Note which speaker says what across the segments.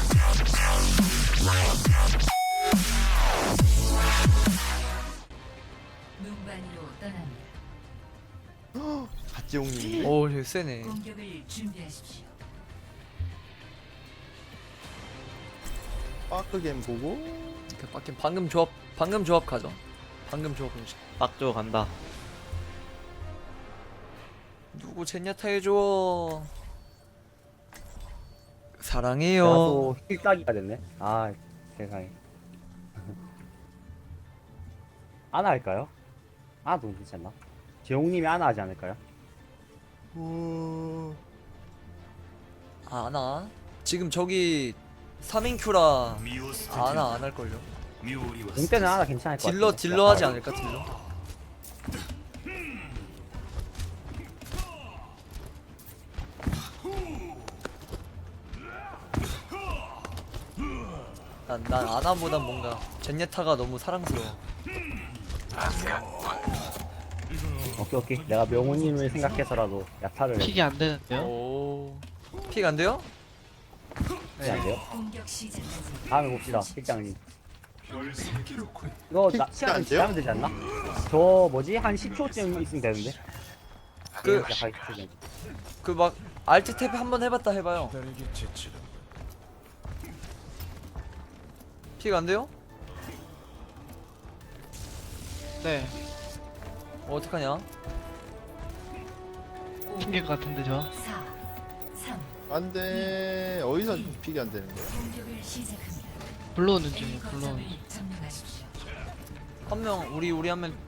Speaker 1: 눈반이로 떠납니다.
Speaker 2: 갓지용님.
Speaker 3: 오 되게 세네.
Speaker 1: 공격을 준비하십시오.
Speaker 2: 빠크겜 보고.
Speaker 3: 밖에 방금 조합 가죠. 방금 조합 공식.
Speaker 4: 빡조 간다.
Speaker 3: 누구 젠야타 해줘. 사랑해요.
Speaker 5: 나도 힐따기가 됐네. 아 세상에. 아나 할까요? 아나 너무 괜찮나 재홍님이 아나 하지 않을까요?
Speaker 3: 아나? 지금 저기 3인큐라 아나 안 할걸요?
Speaker 5: 공 때는 아나 괜찮을 것 같아.
Speaker 3: 딜러 하지 않을까 딜러? 난 아나보단 뭔가 젠예타가 너무 사랑스러워.
Speaker 5: 오케이 오케이. 내가 명훈님을 생각해서라도 야타를
Speaker 6: 픽이 안 되는데요?
Speaker 3: 오. 픽 안 돼요?
Speaker 5: 해야 안 돼요?
Speaker 1: 공격 시작까지
Speaker 5: 다음에 봅시다 실장님. 이거 나
Speaker 2: 안
Speaker 5: 시간
Speaker 2: 돼요?
Speaker 5: 지나면 되지 않나? 저 뭐지 한 10초쯤 있으면 되는데.
Speaker 3: 그-
Speaker 5: 시작하기
Speaker 3: 그 막 알트 탭 한번 해봤다 해봐요. 픽 안 돼요?
Speaker 6: 네.
Speaker 3: 어떡하냐?
Speaker 6: 튕길 것 같은데 저.
Speaker 1: 4, 3,
Speaker 2: 안돼. 어디서 픽이 안 되는 거야?
Speaker 1: 공격을 시작합니다.
Speaker 6: 불러오는
Speaker 1: A
Speaker 6: 중이에요. 불러오는 중.
Speaker 1: 거점을 점령하십시오.
Speaker 3: 한 명 우리 한 명.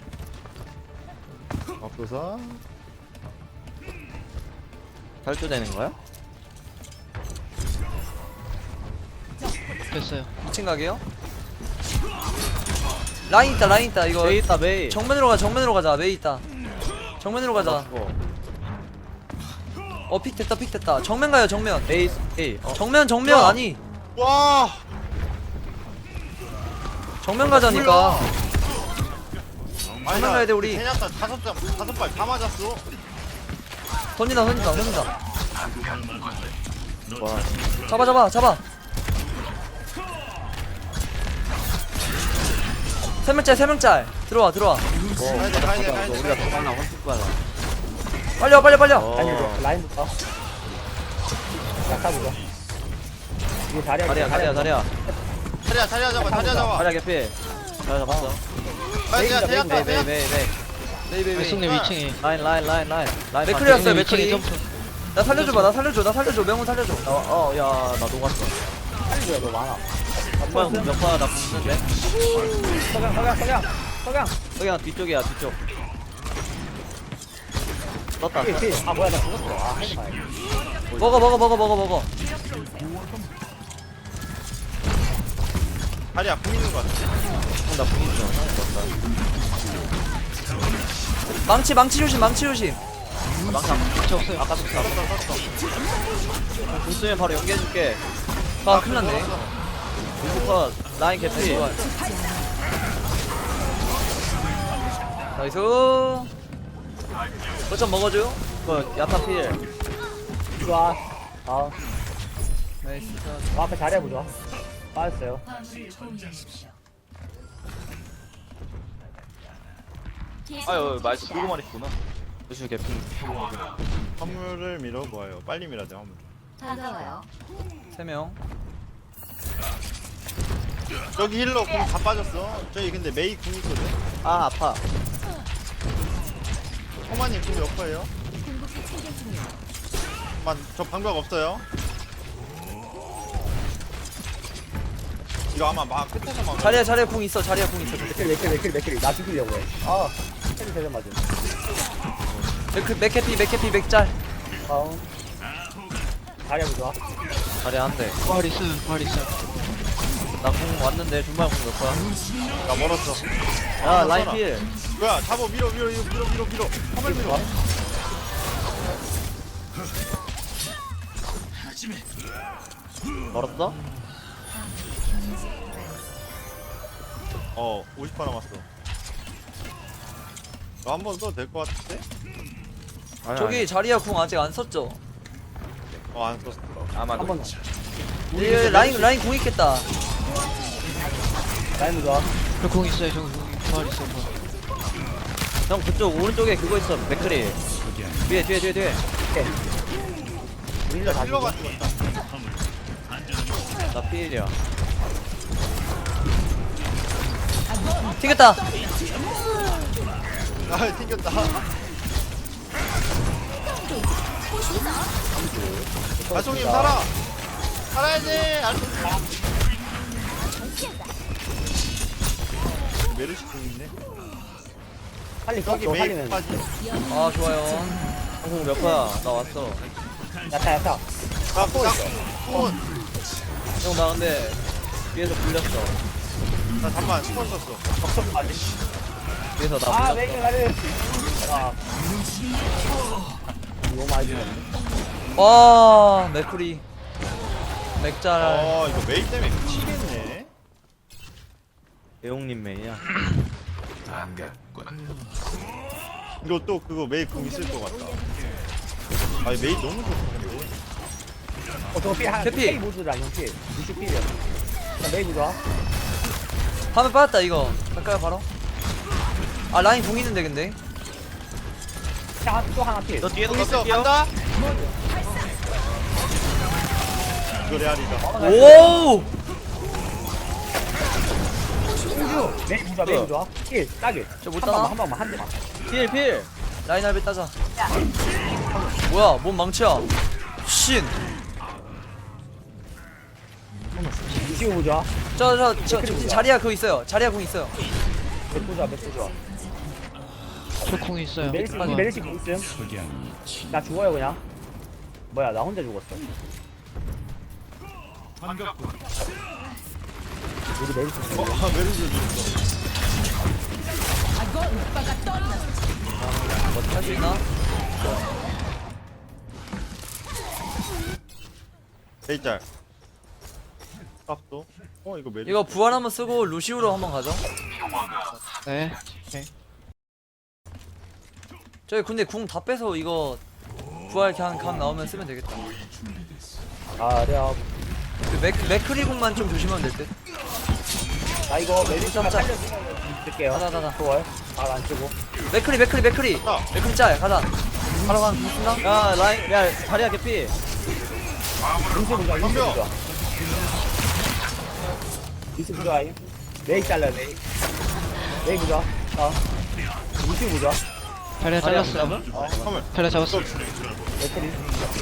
Speaker 2: 앞서서.
Speaker 4: 탈주되는 거야?
Speaker 6: 됐어요.
Speaker 3: 2층 가게요? 라인 있다 이거.
Speaker 4: 메이 있다 메이.
Speaker 3: 정면으로 가자 메이 있다. 정면으로 가자. 픽 됐다. 정면 가요 정면.
Speaker 4: 메이 메이.
Speaker 3: 정면
Speaker 2: 야!
Speaker 3: 아니.
Speaker 2: 와.
Speaker 3: 정면 가자니까.
Speaker 2: 아니,
Speaker 3: 정면 가야 돼 우리.
Speaker 2: 세냐타 다섯 발 다 맞았어.
Speaker 3: 던진다.
Speaker 4: 와.
Speaker 3: 잡아. 세 명짤. 들어와.
Speaker 2: 가야 돼.
Speaker 4: 우리가 도망나 헌팅 거야.
Speaker 3: 빨리 와.
Speaker 5: 아니 라인부터. 야타 보자. 이게 자리야.
Speaker 4: 다리야.
Speaker 2: 자리야 잡아.
Speaker 4: 다리야 개피. 잘 잡았어.
Speaker 2: 야 세냐타.
Speaker 4: 메이.
Speaker 6: 외숙님 2층에.
Speaker 4: 라인.
Speaker 3: 맥클리였어요,
Speaker 6: 외숙님 2층에
Speaker 3: 맥클리.
Speaker 6: 점프.
Speaker 3: 나 살려줘. 명훈 살려줘.
Speaker 4: 야, 나 녹았어.
Speaker 5: 빨리 너 많아.
Speaker 4: 몇파나 붙는데?
Speaker 5: 석양.
Speaker 4: 여기가 뒤쪽이야, 뒤쪽. 떴다.
Speaker 5: 아 뭐야 나 죽었어. 아 해도 봐야
Speaker 3: 먹어.
Speaker 2: 자리야 공 있는 거 같아.
Speaker 4: 나 보이죠?
Speaker 3: 망치 조심.
Speaker 4: 망상.
Speaker 6: 저 없어요.
Speaker 4: 아까 썼어. 공수면 바로 연계해줄게.
Speaker 3: 아 큰일 났네.
Speaker 4: 공수컷, 라인 개피.
Speaker 3: 나이스. 거점 먹어줘.
Speaker 4: 그거 야타필.
Speaker 5: 좋아. 아
Speaker 3: 나이스.
Speaker 5: 앞에 자리야 보자. 빠졌어요.
Speaker 1: 화물을 공유하십시오.
Speaker 4: 아유, 말도 보고만 했구나. 요즘 개피.
Speaker 2: 화물을 밀어봐요. 빨리 밀어야 돼 화물.
Speaker 1: 다가와요.
Speaker 3: 3명.
Speaker 2: 저기 힐러 공 다 빠졌어. 저기 근데 메이 궁 있거든.
Speaker 4: 아, 아파.
Speaker 2: 호마님 궁 몇 퍼예요? 저 방벽 없어요. 이거 아마 막 끝에서 막.
Speaker 3: 자리야 궁 있어.
Speaker 5: 맥클 나 죽이려고 해. 아 헤드 대전 맞음.
Speaker 3: 맥캐피 맥짤.
Speaker 5: 다운. 자리야 보자.
Speaker 4: 자리 한 대.
Speaker 6: 부활 있어요.
Speaker 4: 나 공 왔는데, 중반 공몇 거야?
Speaker 2: 나 멀었어.
Speaker 4: 야, 라인 필.
Speaker 2: 뭐야? 잡어 밀어. 화물 밀어.
Speaker 4: 멀었어?
Speaker 2: 50% 남았어. 한 번 써도 될 것 같은데?
Speaker 3: 저기 자리야 궁 아직 안 썼죠?
Speaker 2: 안 썼어.
Speaker 4: 아마도.
Speaker 5: 한번
Speaker 3: 라인 공 있겠다.
Speaker 5: 라인 좋아.
Speaker 6: 저공 있어요. 저공 부활 있어요. 부활.
Speaker 4: 형 그쪽 오른쪽에 그거 있어. 맥크리. 뒤에.
Speaker 5: 우리가 다
Speaker 2: 힐러가
Speaker 5: 죽어.
Speaker 2: 죽었다.
Speaker 4: 나 피일이야.
Speaker 3: 튀겼다.
Speaker 2: 아 튕겼다. 아송님 살아. 살아야지. 메르시 공 있네.
Speaker 5: 빨리
Speaker 2: 여기
Speaker 5: 꺾어
Speaker 2: 메이
Speaker 5: 살리면.
Speaker 2: 빠지.
Speaker 3: 아 좋아요.
Speaker 4: 형몇 퍼야? 나 왔어.
Speaker 5: 야타.
Speaker 2: 아 뽕은.
Speaker 4: 형 나 근데 뒤에서 불렸어.
Speaker 2: 나 잠만 스폰 썼어.
Speaker 4: 뒤에서 나
Speaker 5: 아
Speaker 4: 불렸어.
Speaker 5: 메이크 나를. 아. 너무 많이 죽었네.
Speaker 3: 와 맥크리. 맥잘.
Speaker 2: 이거 메이 때문에 미치겠네.
Speaker 4: 대용님 메이야.
Speaker 2: 이거 또 그거 메이 공 있을 것 같다. 아 메이 너무 좋다 근데.
Speaker 5: 저거 피 한.
Speaker 3: 캐피.
Speaker 5: K 모드라 형 피. 60피야. 자 메이크 좋아.
Speaker 3: 화면 빠졌다 이거. 갈까요 바로? 아 라인 공 있는데 근데.
Speaker 5: 또 하나 피.
Speaker 4: 너 뒤에도
Speaker 2: 공 있어.
Speaker 4: 너 뺄게요.
Speaker 2: 간다. 이거 레알이다.
Speaker 3: 오.
Speaker 5: 메이크 좋아. 메이크 좋아. 킬 따게.
Speaker 3: 저못 따나?
Speaker 5: 한 방만 한 대만.
Speaker 4: 필.
Speaker 3: 라인 할배 따자. 뭐야 뭔 망치야. 신.
Speaker 5: 이시우 좋아.
Speaker 3: 저 자리야 그거 있어요. 자리야 공 있어요.
Speaker 5: 맥주 좋아. 맥주 좋아.
Speaker 6: 저공 있어요.
Speaker 5: 메르시
Speaker 6: 부활.
Speaker 5: 메르시 공 있음. 나 죽어요 그냥. 뭐야 나 혼자 죽었어. 우리 메르시 죽어.
Speaker 2: 메르시 죽었어.
Speaker 3: 할 수 있나?
Speaker 2: 메이짤. 값도. 이거 메르시.
Speaker 3: 이거 부활 한번 쓰고 루시우로 한번 가죠.
Speaker 6: 네.
Speaker 3: 저기 근데 궁 다 빼서 이거 부활 그냥 강 나오면 쓰면 되겠다.
Speaker 5: 아려.
Speaker 3: 그 맥크리 궁만 좀 조심하면 될 듯.
Speaker 5: 나 이거 메르시가
Speaker 3: 짜.
Speaker 5: 살려주면 줄게요.
Speaker 3: 가자.
Speaker 5: 좋아요. 안 쓰고.
Speaker 3: 맥크리 짤 가자. 바로 간 쓴다.
Speaker 4: 야 라인 야 자리야 개피.
Speaker 5: 인수 좋아. 인수 좋아. 인수 좋아. 메이 잘라 메이. 메이 좋아. 인수 좋아.
Speaker 6: 자리야 잘랐어요.
Speaker 2: 잠깐만.
Speaker 6: 자리야 잡았어.
Speaker 5: 메이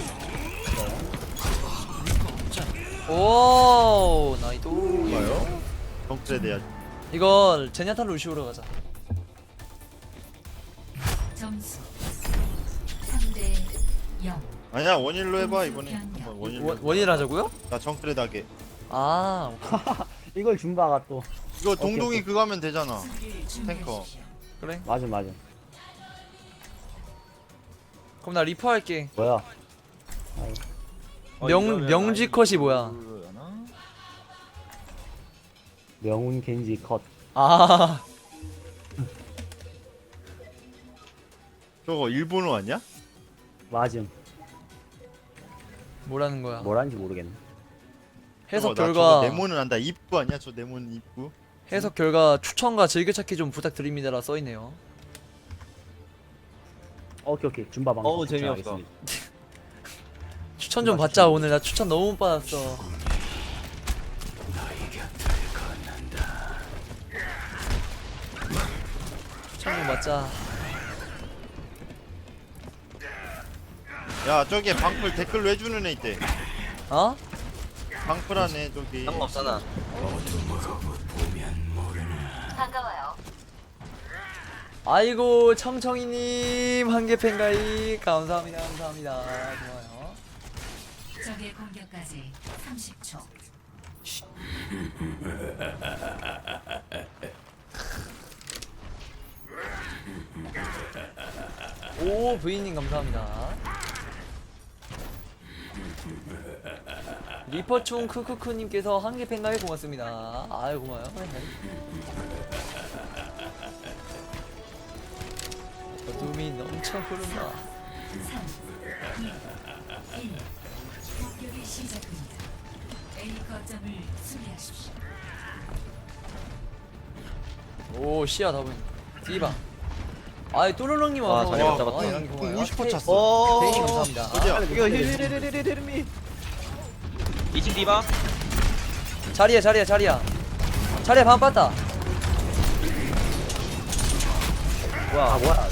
Speaker 3: 오 나이도.
Speaker 2: 뭐요? 정글에 대한.
Speaker 3: 이거 제냐타 루시우로 가자.
Speaker 1: 점수 3대 0.
Speaker 2: 아니야 원일로 해봐 이번에. 한번 원일로.
Speaker 3: 원일 하자고요?
Speaker 2: 나 정글에 다게.
Speaker 3: 아
Speaker 5: 이걸 준바가 또.
Speaker 2: 이거 동동이
Speaker 5: 오케이.
Speaker 2: 그거 하면 되잖아. 탱커.
Speaker 3: 그래.
Speaker 5: 맞아.
Speaker 3: 그럼 나 리퍼 할게.
Speaker 5: 뭐야?
Speaker 3: 명지 컷이 뭐야?
Speaker 5: 명운 겐지 컷.
Speaker 3: 아
Speaker 2: 저거 일본어 아니야?
Speaker 5: 맞음.
Speaker 3: 뭐라는 거야?
Speaker 5: 뭐라는지 모르겠네.
Speaker 3: 해석
Speaker 2: 저거
Speaker 3: 결과
Speaker 2: 네모는 안다. 입구 아니야? 저 네모는 입구.
Speaker 3: 해석 결과 추천과 즐겨찾기 좀 부탁드립니다라 써 있네요.
Speaker 5: 오케이. 준바 방송.
Speaker 4: 어우, 재미없어.
Speaker 5: 알겠습니다.
Speaker 3: 추천 좀 받자 오늘. 나 추천 너무 못 받았어. 추천 좀 받자.
Speaker 2: 야 저기 방풀 댓글로 해주는 애 있대.
Speaker 3: 어?
Speaker 2: 방풀하네 저기.
Speaker 4: 상관없잖아.
Speaker 1: 반가워요.
Speaker 3: 아이고 청청이님 한개 팬가이 감사합니다. 고마워요.
Speaker 1: 적의 공격까지 30초.
Speaker 3: 오 부인님 감사합니다. 리퍼충 크크크님께서 한개 팬가이 고맙습니다. 아유 고마워요. 어둠이 넘쳐 흐른다.
Speaker 1: 3, 2, 1. 시작됩니다. A 거점을 수비하십시오.
Speaker 3: 오 시야 다 보인. 디바. 아이 또르렁님
Speaker 4: 아,
Speaker 3: 와서.
Speaker 4: 자리 못 잡았다.
Speaker 3: 아, 양이 고마워요.
Speaker 2: 50% 찼어.
Speaker 4: 오.
Speaker 3: 대인님 감사합니다.
Speaker 2: 어디야?
Speaker 5: 이거 힐힐힐힐힐힐미
Speaker 4: 2층 디바.
Speaker 3: 자리야 자리야 반 빠따.
Speaker 4: 뭐야?
Speaker 5: 뭐야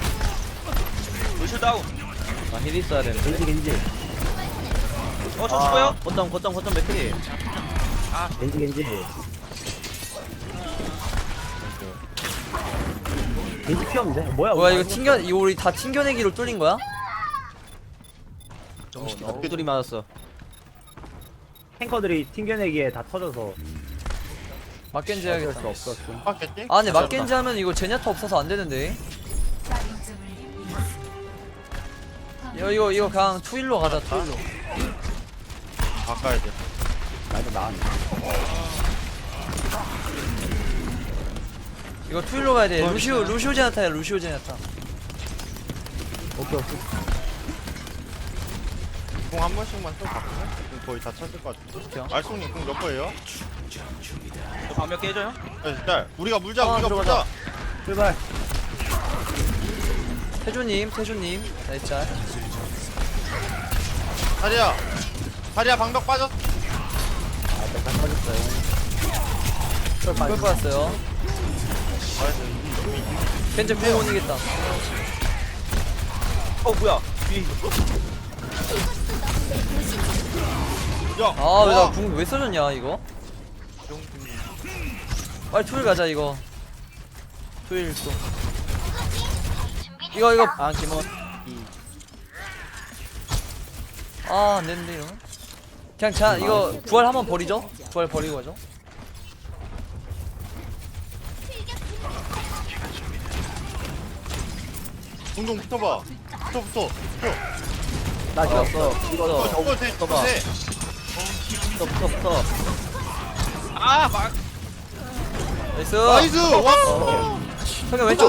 Speaker 4: 루슈 다운. 아힐 있어야 되는데.
Speaker 5: 겐지
Speaker 4: 저 죽어요? 거점 맥크리.
Speaker 5: 겐지 피 없는데? 뭐야
Speaker 3: 뭐야 이거 우리 다 튕겨내기로 뚫린 거야?
Speaker 4: 뚜리 맞았어.
Speaker 5: 탱커들이 튕겨내기에 다 터져서
Speaker 3: 막겐지
Speaker 5: 어쩔
Speaker 3: 해야겠다.
Speaker 5: 수 없었어.
Speaker 2: 맞겠지?
Speaker 3: 아 근데 막겐지 하면 이거 제냐타 없어서 안 되는데.
Speaker 1: 거점을 잃었습니다.
Speaker 3: 이거 그냥 투일로 가자 투일로.
Speaker 2: 바꿔야 돼.
Speaker 5: 나도 나왔네.
Speaker 3: 이거 투일로 가야 돼. 루시오 제냐타야 루시오 제냐타.
Speaker 5: 오케이.
Speaker 2: 공 한 번씩만 또 바꾸면 지금 거의 다 찼을 것 같은데.
Speaker 3: 오케이.
Speaker 2: 알송님 공 몇 거예요?
Speaker 4: 저 방몇 개 해줘요?
Speaker 2: 네, 일단 우리가 물자
Speaker 3: 아,
Speaker 2: 우리가
Speaker 3: 들어가자.
Speaker 2: 물자.
Speaker 5: 출발.
Speaker 3: 태조님 나이스.
Speaker 2: 다리야 방벽 빠졌.
Speaker 5: 다 터졌어요. 출발.
Speaker 3: 이걸 받았어요. 겐지 구원 못 이겼다.
Speaker 4: 뭐야?
Speaker 2: 야.
Speaker 3: 아 왜 나 궁 왜 써줬냐 이거? 빨리 투일 가자 이거. 투일 또. 이거
Speaker 4: 아 김원.
Speaker 3: 아 안되는데 이러면. 그냥 자 이거 부활 한번 버리죠. 부활 버리고 가죠.
Speaker 2: 동동 붙어봐. 붙어.
Speaker 5: 나 죽었어.
Speaker 4: 이거
Speaker 2: 저거 돼.
Speaker 4: 붙어봐.
Speaker 2: 돼.
Speaker 4: 붙어. 아 막.
Speaker 3: 나이스.
Speaker 2: 나이스. 와.
Speaker 3: 성현 왼쪽.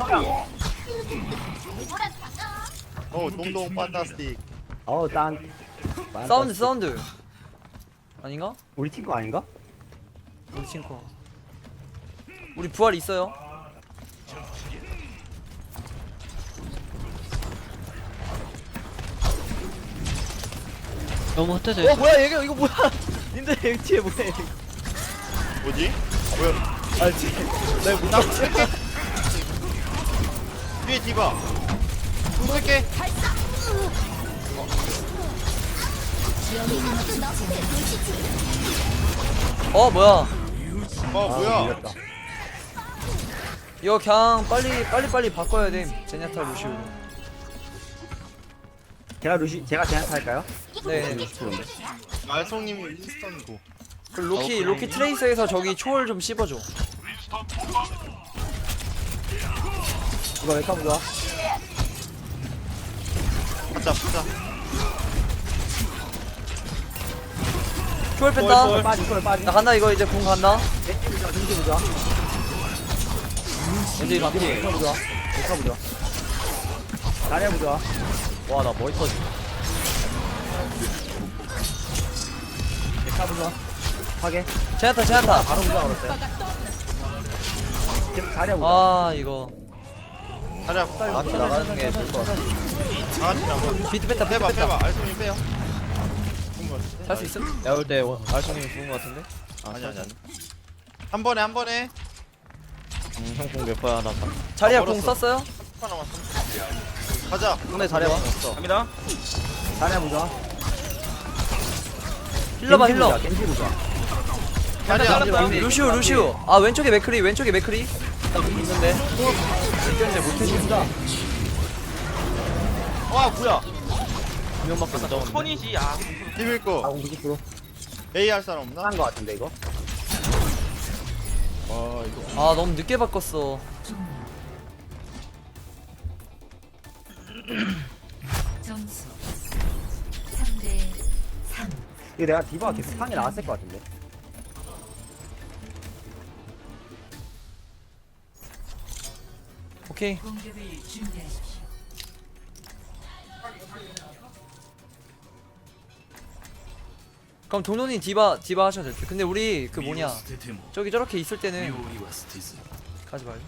Speaker 2: 동동 판타스틱.
Speaker 5: 딴.
Speaker 3: 사운드. 아닌가?
Speaker 5: 우리 팀 거 아닌가?
Speaker 3: 우리 친구. 우리 부활 있어요.
Speaker 6: 너무 흩어져 있어.
Speaker 4: 뭐야 얘가 이거 뭐야? 님들 여기 뒤에 뭐야? 이거.
Speaker 2: 뭐지? 뭐야?
Speaker 4: 아 뒤에. 내못 나오지.
Speaker 2: 뒤에 디바. 공격해.
Speaker 3: 뭐야?
Speaker 2: 뭐야?
Speaker 5: 밀렸다.
Speaker 3: 이거 그냥 빨리 바꿔야 돼. 제냐타 루시오.
Speaker 5: 제가 제한테 할까요?
Speaker 3: 네.
Speaker 2: 알송님이 인스턴고.
Speaker 3: 그 로키 트레이서에서 저기 초월 좀 씹어줘.
Speaker 5: 이거 왜 까보자?
Speaker 2: 가자.
Speaker 3: 초월 뺐다.
Speaker 5: 빠지.
Speaker 3: 나 간다 이거 이제 공 간다.
Speaker 5: 겐지 보자.
Speaker 3: 왠지 반피.
Speaker 5: 보자. 잘해보자.
Speaker 4: 와나 머리 터지.
Speaker 5: 보자. 하게.
Speaker 3: 제냐타.
Speaker 5: 바로 보자 그랬어요. 계속 잘해보자.
Speaker 3: 아 이거
Speaker 2: 다리야.
Speaker 4: 앞에 나가는 게 좋을 것 같아.
Speaker 2: 다같이 나가.
Speaker 3: 비트 뺐다.
Speaker 2: 빼봐. 알송님 빼요.
Speaker 3: 살 수 있음?
Speaker 4: 내가 볼때 알송님이 죽은 것 같은데?
Speaker 2: 아니. 한 번에.
Speaker 4: 형공 몇 번야 나.
Speaker 3: 자리야
Speaker 2: 멀었어.
Speaker 3: 공 썼어요?
Speaker 2: 하나 남았어. 가자.
Speaker 4: 상대 자리야 없어. 갑니다.
Speaker 5: 잘해보자.
Speaker 3: 힐러.
Speaker 5: 겐지 보자.
Speaker 2: 다리야.
Speaker 3: 루시오. 아 왼쪽에 맥크리.
Speaker 4: 있는데.
Speaker 3: 이겼는데 못해준다.
Speaker 4: 와 뭐야? 두명밖에 못 잡았는데. 손이지 야.
Speaker 2: 비빌 거.
Speaker 5: 90%.
Speaker 2: A 할 사람 없나?
Speaker 5: 한거 같은데 이거?
Speaker 2: 와 이거.
Speaker 3: 아 너무 늦게 바꿨어.
Speaker 1: 점수 3대 3.
Speaker 5: 이거 내가 디바가 계속 상이 나왔을 것 같은데.
Speaker 3: 오케이.
Speaker 1: 공격을 준비하십시오.
Speaker 3: 그럼 동론이 디바 하셔도 될 듯. 근데 우리 그 뭐냐 저기 저렇게 있을 때는 가지 말고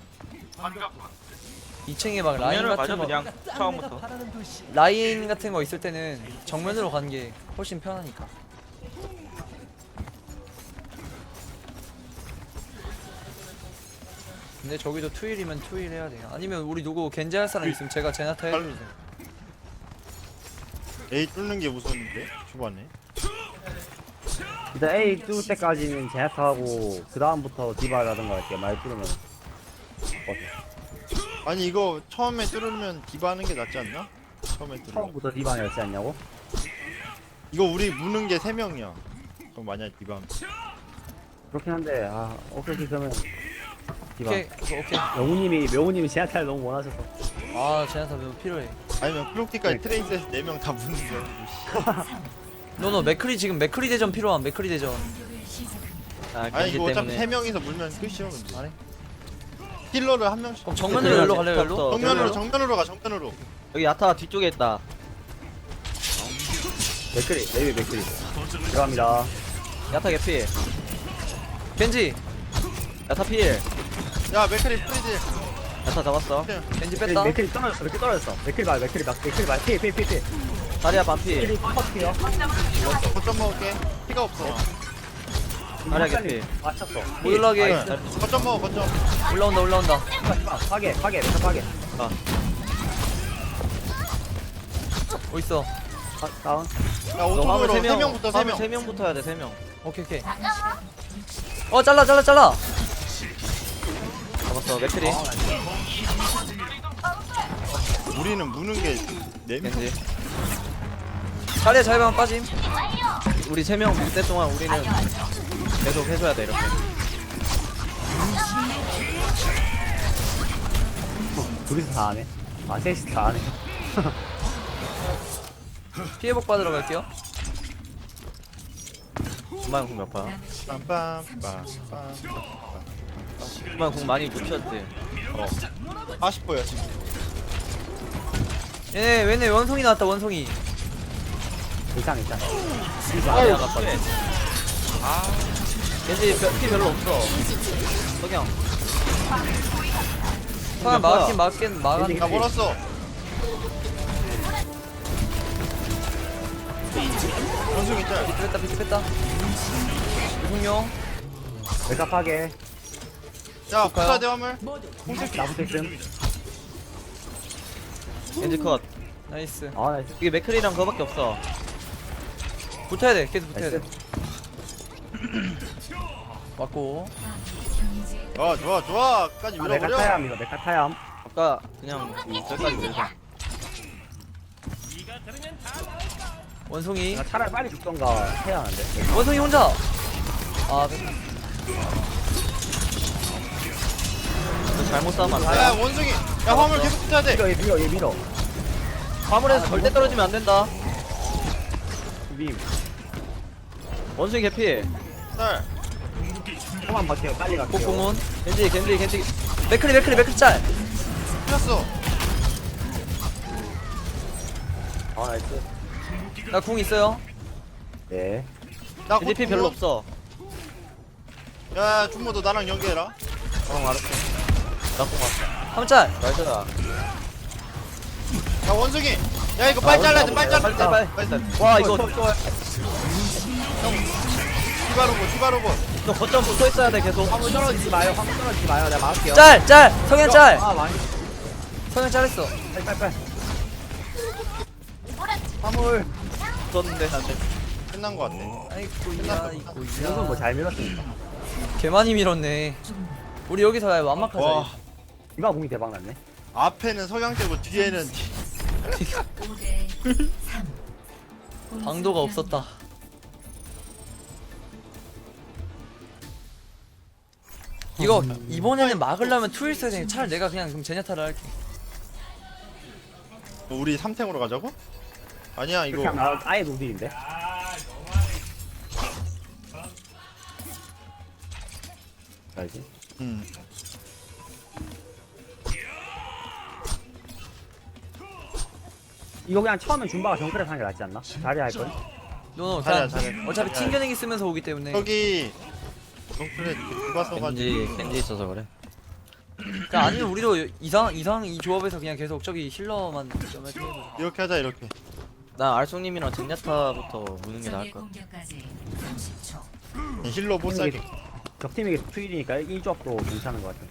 Speaker 3: 2층에 막 라인
Speaker 4: 라인을
Speaker 3: 같은
Speaker 4: 가져
Speaker 3: 거
Speaker 4: 그냥 처음부터.
Speaker 3: 라인 같은 거 있을 때는 정면으로 가는 게 훨씬 편하니까. 근데 저기도 투일이면 투일 해야 돼요. 아니면 우리 누구 겐지 할 사람 있으면 제가 제나타 해주세요.
Speaker 2: A 뚫는 게 무서운데 초반에.
Speaker 5: 일단 A 뚫을 때까지는 제약하고 그 다음부터 디바라든가 이렇게 많이 뚫으면
Speaker 2: 아니 이거 처음에 뚫으면 디바 하는 게 낫지 않나? 처음에 뚫으면.
Speaker 5: 처음부터 디바였지 않냐고?
Speaker 2: 이거 우리 무는 게 3명이야. 그럼 만약 디바 하면.
Speaker 5: 그렇긴 한데 아 오케이 그러면 디바.
Speaker 3: 오케이 오케이.
Speaker 5: 명우님이 제약타를 너무 원하셔서.
Speaker 3: 아 제나타 매우 필요해.
Speaker 2: 아니면 클로키까지 트레이스에서 4명 다 무는 거.
Speaker 3: 너너 맥크리 지금 맥크리 대전 필요한 맥크리 대전.
Speaker 1: 공격을 시작합니다.
Speaker 4: 아,
Speaker 2: 아니
Speaker 4: 겐지
Speaker 2: 이거 어차피
Speaker 4: 때문에.
Speaker 2: 3명이서 물면 끝이야 근데.
Speaker 3: 안 해?
Speaker 2: 힐러를 한 명씩.
Speaker 3: 그럼 정면으로 열로 갈래요 열로?
Speaker 4: 없어.
Speaker 2: 정면으로 가 정면으로.
Speaker 4: 여기 야타 뒤쪽에 있다.
Speaker 5: 맥크리 레이비 맥크리 들어갑니다.
Speaker 4: 야타 개피.
Speaker 3: 겐지
Speaker 4: 야타 필.
Speaker 2: 야 맥크리 프리즈.
Speaker 4: 야타 잡았어.
Speaker 3: 겐지 뺐다.
Speaker 5: 맥크리 떨어졌어. 맥크리 봐 피.
Speaker 4: 다리야 반피.
Speaker 5: 컷이요.
Speaker 2: 거점 먹을게. 피가 없어.
Speaker 4: 다리야 개피.
Speaker 5: 맞췄어.
Speaker 3: 모듈하게
Speaker 2: 거점 먹어 거점.
Speaker 3: 올라온다.
Speaker 5: 파괴 메카 파괴.
Speaker 3: 어딨어?
Speaker 5: 다운.
Speaker 2: 야
Speaker 4: 너 화물
Speaker 2: 오토으로
Speaker 4: 3명.
Speaker 2: 3명부터 3명.
Speaker 4: 3명부터 해야 돼 3명.
Speaker 3: 오케이. 잘라.
Speaker 4: 잡았어 맥크리.
Speaker 2: 우리는 무는 게 4명.
Speaker 4: 겐지.
Speaker 3: 자리에 잘만 빠짐.
Speaker 4: 우리 3명 그때 동안 우리는 계속 해줘야 돼 이렇게.
Speaker 5: 둘이서 다 하네. 아 셋이 다 하네.
Speaker 3: 피해복 받으러 갈게요.
Speaker 4: 금방 궁 몇 파?
Speaker 2: 빰빰빰빰.
Speaker 4: 금방 궁 많이 눕혔지.
Speaker 2: 40%야 지금.
Speaker 3: 얘네 원송이 나왔다 원송이.
Speaker 5: 괜찮.
Speaker 4: 다리야 나 빠져. 겐지 피 별로 없어. 석영.
Speaker 3: 아 막긴 막았네.
Speaker 2: 나 멀었어. 원숭이 있잖아.
Speaker 3: 비트 뺐다. 유승용.
Speaker 5: 메카 파괴.
Speaker 2: 야 부사대 화물.
Speaker 5: 나무 택슨.
Speaker 4: 겐지 컷.
Speaker 3: 나이스.
Speaker 5: 아 나이스.
Speaker 4: 이게 맥크리랑 그거밖에 없어.
Speaker 3: 붙어야 돼. 계속 붙어야 돼.
Speaker 5: 나이스.
Speaker 3: 맞고.
Speaker 1: 경제
Speaker 2: 좋아. 까지
Speaker 5: 아, 메카
Speaker 2: 밀어버려.
Speaker 5: 타야함 이거 메카 타야함.
Speaker 4: 아까 그냥 저기까지 밀자.
Speaker 3: 원송이.
Speaker 5: 나 차라리 빨리 죽던가 해야 하는데.
Speaker 3: 원송이 혼자.
Speaker 4: 너 잘못 싸면 안 돼.
Speaker 2: 야 원숭이. 야 화물 계속 붙어야 돼.
Speaker 5: 얘 밀어.
Speaker 4: 화물에서 절대 떨어지면 안 된다.
Speaker 5: 밈.
Speaker 4: 원숭이 개피.
Speaker 2: 쌀.
Speaker 5: 조금만 버텨요. 빨리 갈게요.
Speaker 3: 복공은.
Speaker 4: 겐지.
Speaker 3: 맥크리 짤.
Speaker 2: 풀렸어.
Speaker 5: 아 나이스.
Speaker 3: 나 궁 있어요.
Speaker 5: 네.
Speaker 2: 나
Speaker 4: 겐지 피 별로 없어.
Speaker 2: 야 준모 너 나랑 연계해라.
Speaker 4: 알았어. 나공 왔어.
Speaker 3: 한 짤.
Speaker 4: 나이스.
Speaker 2: 야 원숭이. 야 이거 빨리 잘라야 돼. 빨리 잘라.
Speaker 4: 빨리. 와 이거
Speaker 2: 디바로고.
Speaker 4: 너 거점 붙어 있어야 돼 계속.
Speaker 5: 화물 떨어지지 마요. 내가 막을게요.
Speaker 3: 짤. 성현 짤.
Speaker 5: 아 많이.
Speaker 3: 성현 짤했어.
Speaker 5: 빨리. 화물.
Speaker 4: 붙었는데 나한테.
Speaker 2: 끝난 거 같아.
Speaker 3: 아이고야
Speaker 5: 이건 뭐 잘 밀었으니까.
Speaker 3: 개 많이 밀었네. 우리 여기서 완막하자.
Speaker 2: 와
Speaker 5: 이거 공이 대박 났네.
Speaker 2: 앞에는 석양대고 뒤에는
Speaker 1: 5대 3.
Speaker 3: 방도가 없었다. 이거 이번에는 막으려면 투일 써야 되니까 차라리 내가 그냥 그럼 제냐타를 할게.
Speaker 2: 우리 3탱으로 가자고? 아니야
Speaker 5: 이렇게
Speaker 2: 이거.
Speaker 5: 하면 아예 노딜인데. 알지? 이거 그냥 처음엔 준바가 정크랩 하는 게 낫지 않나? 자리 할 걸?
Speaker 3: 노노
Speaker 2: 잘해,
Speaker 3: 그냥
Speaker 2: 잘해.
Speaker 3: 어차피
Speaker 2: 잘해.
Speaker 3: 튕겨내기 쓰면서 오기 때문에
Speaker 2: 저기 덩크에 디바 써가지고
Speaker 4: 겐지 있어서 그래.
Speaker 3: 그러니까 아니면 우리도 이상 이 조합에서 그냥 계속 저기 힐러만 좀 해줘.
Speaker 2: 이렇게 하자 이렇게.
Speaker 4: 나 알송님이랑 젠야타부터 무는 게 나을
Speaker 1: 적의
Speaker 4: 것 같아.
Speaker 1: 공격까지 30초.
Speaker 2: 힐러 못 살게.
Speaker 5: 적팀이 계속 투일이니까 이 조합도 괜찮은 것 같아.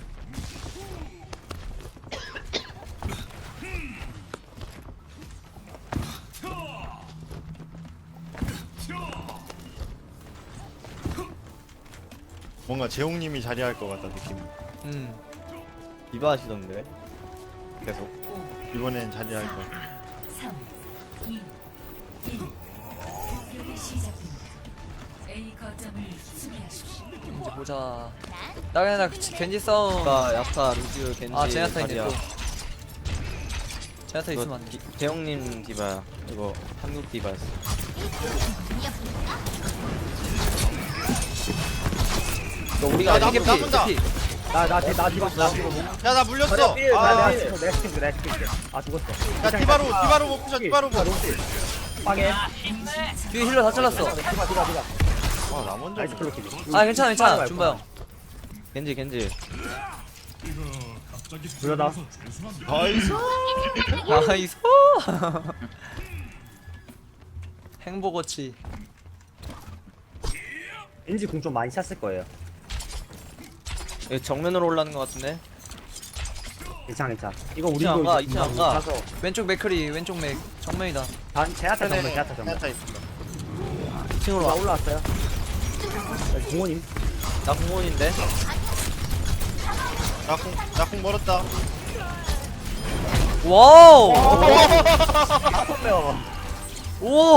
Speaker 2: 뭔가 재홍님이 자리할 것 같다 느낌.
Speaker 4: 디바 하시던데. 계속.
Speaker 1: 5,
Speaker 2: 이번엔 자리할 거.
Speaker 1: 3, 2, 1. 공격이 시작됩니다. A 거점을 수비하십시오.
Speaker 3: 이제 보자. 나 그냥 겐지 싸움.
Speaker 4: 디바, 야타, 루즈, 겐지,
Speaker 3: 아 제나타인데
Speaker 4: 자리야.
Speaker 3: 또. 제나타 있으면 안 돼.
Speaker 4: 재영님 디바야. 이거 한국 디바였어.
Speaker 3: 우리가
Speaker 2: 나
Speaker 3: 이게
Speaker 2: 나 본다.
Speaker 5: 나 죽었어.
Speaker 2: 야 나 물렸어.
Speaker 5: 내가
Speaker 2: 아,
Speaker 5: 죽겠어. 아 죽었어.
Speaker 2: 야 디바로 못 부셔 디바로 못.
Speaker 5: 빵해.
Speaker 3: 뒤에 힐러 다 잘랐어.
Speaker 5: 디바.
Speaker 2: 아나 먼저.
Speaker 5: 나이스 클로킹.
Speaker 3: 아 괜찮아 준바 형.
Speaker 4: 겐지.
Speaker 5: 불러다.
Speaker 2: 나이스.
Speaker 3: 나이스. 행복어치.
Speaker 5: 왠지 공 좀 많이 찼을 거예요.
Speaker 4: 여기 정면으로 올라가는 것 같은데.
Speaker 5: 괜찮아. 이거 우리도
Speaker 4: 이층 안 가,
Speaker 5: 이제
Speaker 4: 이층 안 가.
Speaker 5: 가서
Speaker 3: 왼쪽 맥크리 왼쪽 맥 정면이다.
Speaker 5: 제아타 정면.
Speaker 2: 야타 있습니다.
Speaker 4: 2층으로
Speaker 5: 나
Speaker 4: 와.
Speaker 5: 올라왔어요. 공원님.
Speaker 4: 나 공원인데.
Speaker 2: 나공 멀었다.
Speaker 3: 와우.
Speaker 5: 다섯 명.
Speaker 3: 오.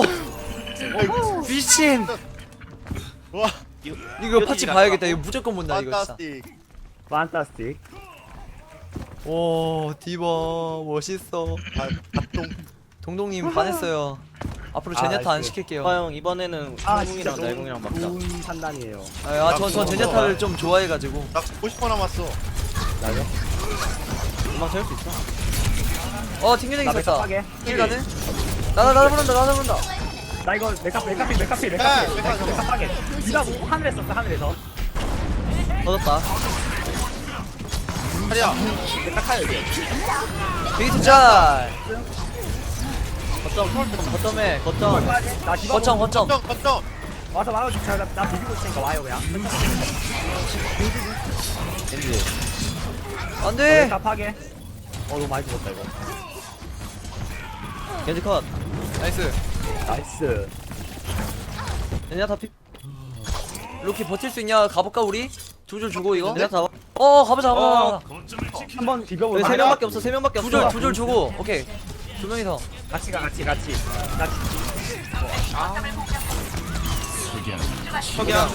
Speaker 3: 미친.
Speaker 2: 와
Speaker 3: 이거 파츠 봐야겠다. 이거 무조건 본다 이거 진짜.
Speaker 2: 판타스틱.
Speaker 5: 판타스틱.
Speaker 3: 오 디바 멋있어.
Speaker 2: 밥동.
Speaker 3: 동동님 반했어요. 앞으로
Speaker 5: 아,
Speaker 3: 제냐타 안
Speaker 5: 나이스.
Speaker 3: 시킬게요.
Speaker 4: 형 이번에는 한국이랑 날공이랑 막자.
Speaker 5: 좋은 판단이에요.
Speaker 3: 전 제냐타를 좀 좋아해가지고.
Speaker 2: 나 50번 남았어.
Speaker 5: 나요?
Speaker 4: 금방 채울 수 있어.
Speaker 3: 튕겨내기
Speaker 5: 나
Speaker 3: 있었다.
Speaker 5: 맥카파게.
Speaker 3: 힐 가는? 나다 부른다.
Speaker 5: 나 이거 메카필. 메카파게. 니가 뭐 하늘에 썼어 하늘에서.
Speaker 4: 터졌다.
Speaker 2: 하리야.
Speaker 5: 메카카요.
Speaker 3: 베이트 짤.
Speaker 4: 거점에 거점.
Speaker 5: 나 디바
Speaker 3: 거점.
Speaker 2: 걱정.
Speaker 5: 와서 나 비비고 있으니까 와요 그냥.
Speaker 4: 겐지.
Speaker 3: 안돼.
Speaker 5: 메카파게. 너무 많이 죽었다 이거.
Speaker 4: 겐지 컷.
Speaker 3: 나이스.
Speaker 5: 나이스.
Speaker 4: 젠야타 피.
Speaker 3: 로키 버틸 수 있냐? 가볼까 우리? 두 줄 주고 이거?
Speaker 4: 젠야타.
Speaker 3: 가보자.
Speaker 5: 한번 비벼볼.
Speaker 4: 여기 3명밖에 없어. 3명밖에 없어.
Speaker 3: 두 줄 주고. 오케이. 두 명이서.
Speaker 5: 같이.
Speaker 4: 석양.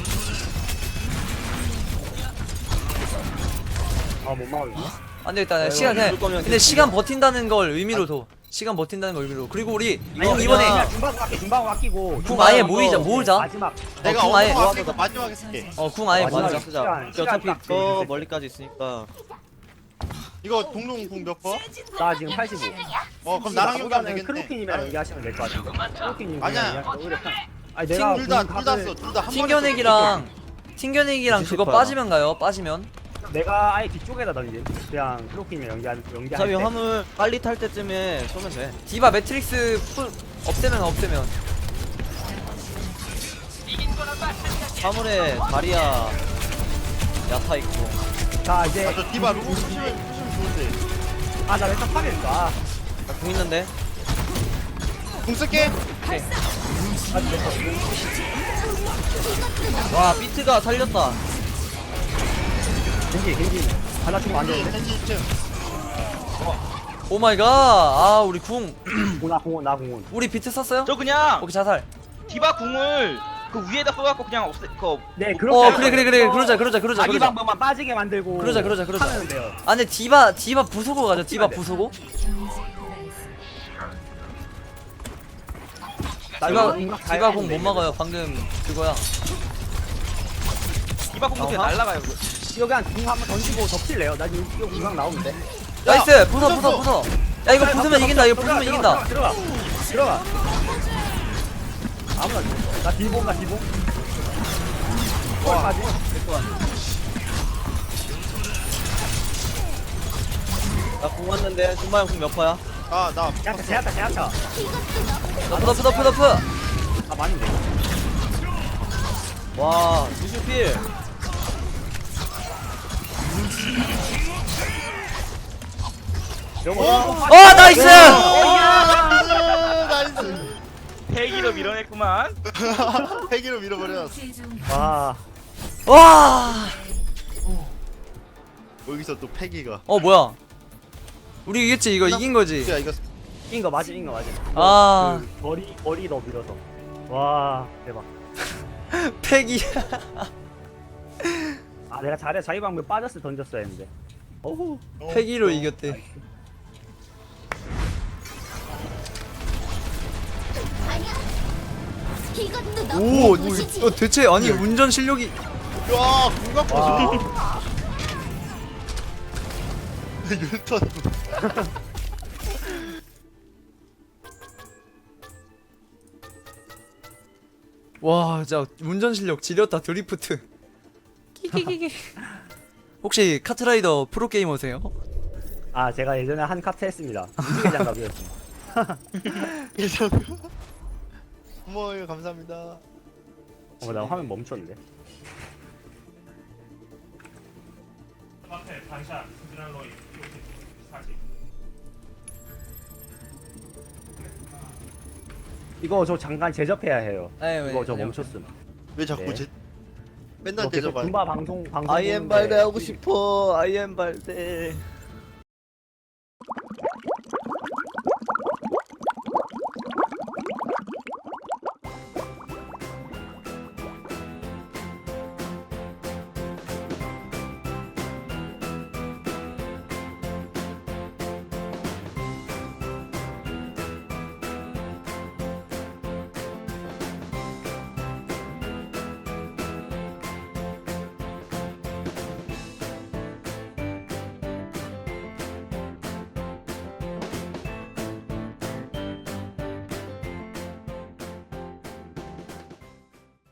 Speaker 5: 못 막았네.
Speaker 3: 안 되겠다. 시간 그냥.
Speaker 4: 죽을 거면
Speaker 3: 근데 시간 버틴다는 걸 의미로 둬. 시간 버틴다는 걸 의미로. 그리고 우리 이번에
Speaker 5: 금방 아끼고.
Speaker 3: 궁 아예 모으자.
Speaker 5: 마지막.
Speaker 2: 내가
Speaker 3: 궁 아예-
Speaker 2: 어머 마지막에 쓸게.
Speaker 3: 궁 아예
Speaker 5: 마지막에
Speaker 3: 모으자.
Speaker 5: 시간
Speaker 4: 어차피
Speaker 5: 딱
Speaker 4: 저
Speaker 5: 재밌을
Speaker 4: 멀리까지 있으니까.
Speaker 2: 이거 동동궁 몇 번?
Speaker 5: 나 지금 85.
Speaker 2: 그럼 나랑 얘기하면 되겠네.
Speaker 5: 크로키님이랑 얘기하시면 될 것 같은데. 크로키님
Speaker 2: 아니야.
Speaker 5: 아니 내가
Speaker 2: 둘다 써. 둘 다 한 번에
Speaker 3: 튕겨내기랑 그거
Speaker 4: 디시퍼야.
Speaker 3: 빠지면 가요. 빠지면.
Speaker 5: 내가 아예 뒤쪽에다 던지. 그냥 크로키님이랑 연기할
Speaker 4: 어차피
Speaker 5: 때.
Speaker 4: 화물 빨리 탈 때쯤에 쏘면 돼.
Speaker 3: 디바 매트릭스 풀 없애면.
Speaker 4: 화물에 다리야 야타 있고.
Speaker 5: 자 이제
Speaker 2: 저 디바 루고 push면 좋은데.
Speaker 5: 나 메카 파겠다.
Speaker 4: 나 공 있는데.
Speaker 2: 궁 쓸게.
Speaker 4: 와 비트가 살렸다.
Speaker 5: 겐지 하나 주면 안 되는데.
Speaker 2: 겐지 2층.
Speaker 3: 오 마이 갓. 우리 궁.
Speaker 5: 나 공원.
Speaker 3: 우리 비트 썼어요?
Speaker 7: 저 그냥
Speaker 3: 오케이 자살.
Speaker 7: 디바 궁을 그 위에다 써갖고 그냥 없애
Speaker 5: 네
Speaker 3: 그래. 그러자.
Speaker 5: 자기 방법만 빠지게 만들고.
Speaker 3: 그러자.
Speaker 5: 하면 돼요.
Speaker 3: 아 근데 디바 부수고 가죠. 디바 부수고. 디바 공 못 막아요. 방금 그거야.
Speaker 7: 디바 궁 그냥 날라가요. 그거.
Speaker 5: 이거 그냥 공 한번 던지고 덮칠래요. 나 지금 이거 이상 나오는데.
Speaker 3: 나이스. 부숴. 야 이거 부수면 이긴다.
Speaker 5: 들어가. 아무나 줘. 나 딜봉 가 딜봉. 까지
Speaker 4: 나궁 왔는데 준마 형궁 몇 퍼야?
Speaker 2: 아나
Speaker 5: 제압타 제압타 제압타.
Speaker 3: 너프.
Speaker 5: 아 많은데.
Speaker 4: 와 루시오 필.
Speaker 5: 영어.
Speaker 3: 나이스.
Speaker 2: 나이스.
Speaker 7: 패기로 밀어냈구만.
Speaker 2: 패기로 밀어버려.
Speaker 1: 최종
Speaker 5: 와.
Speaker 3: 와.
Speaker 2: 여기서 또 패기가.
Speaker 3: 뭐야? 우리 이겼지? 이거 이긴 거지?
Speaker 2: 야 이거
Speaker 5: 인거 맞지 인거 맞지.
Speaker 3: 아.
Speaker 5: 그 거리 너 밀어서. 와 대박.
Speaker 3: 패기.
Speaker 5: 아 내가 잘해 자기 방금 빠졌을 때 던졌어야 했는데. 어후.
Speaker 3: 패기로 이겼대.
Speaker 8: 이것도
Speaker 3: 오,
Speaker 8: 너무 보시지.
Speaker 3: 대체 아니 운전 실력이.
Speaker 2: 야 궁각
Speaker 5: 와.
Speaker 2: 보소. 율턴.
Speaker 3: 와, 진짜 운전 실력 지렸다. 드리프트. 끼끼끼끼. 혹시 카트라이더 프로 게이머세요?
Speaker 5: 아 제가 예전에 한 카트 했습니다. 무지개 장갑이었습니다.
Speaker 2: 예전. 어머 감사합니다.
Speaker 5: 나 화면 멈췄는데. 이거 저 잠깐 제접해야 해요.
Speaker 3: 네,
Speaker 5: 이거 저
Speaker 3: 네.
Speaker 5: 멈췄음.
Speaker 2: 왜 자꾸
Speaker 5: 네.
Speaker 2: 맨날
Speaker 5: 이거 계속
Speaker 2: 대접하.
Speaker 5: 군바 방송
Speaker 4: 아이엠
Speaker 5: 보는데
Speaker 4: 발대 하고 싶어. 아이엠 발대.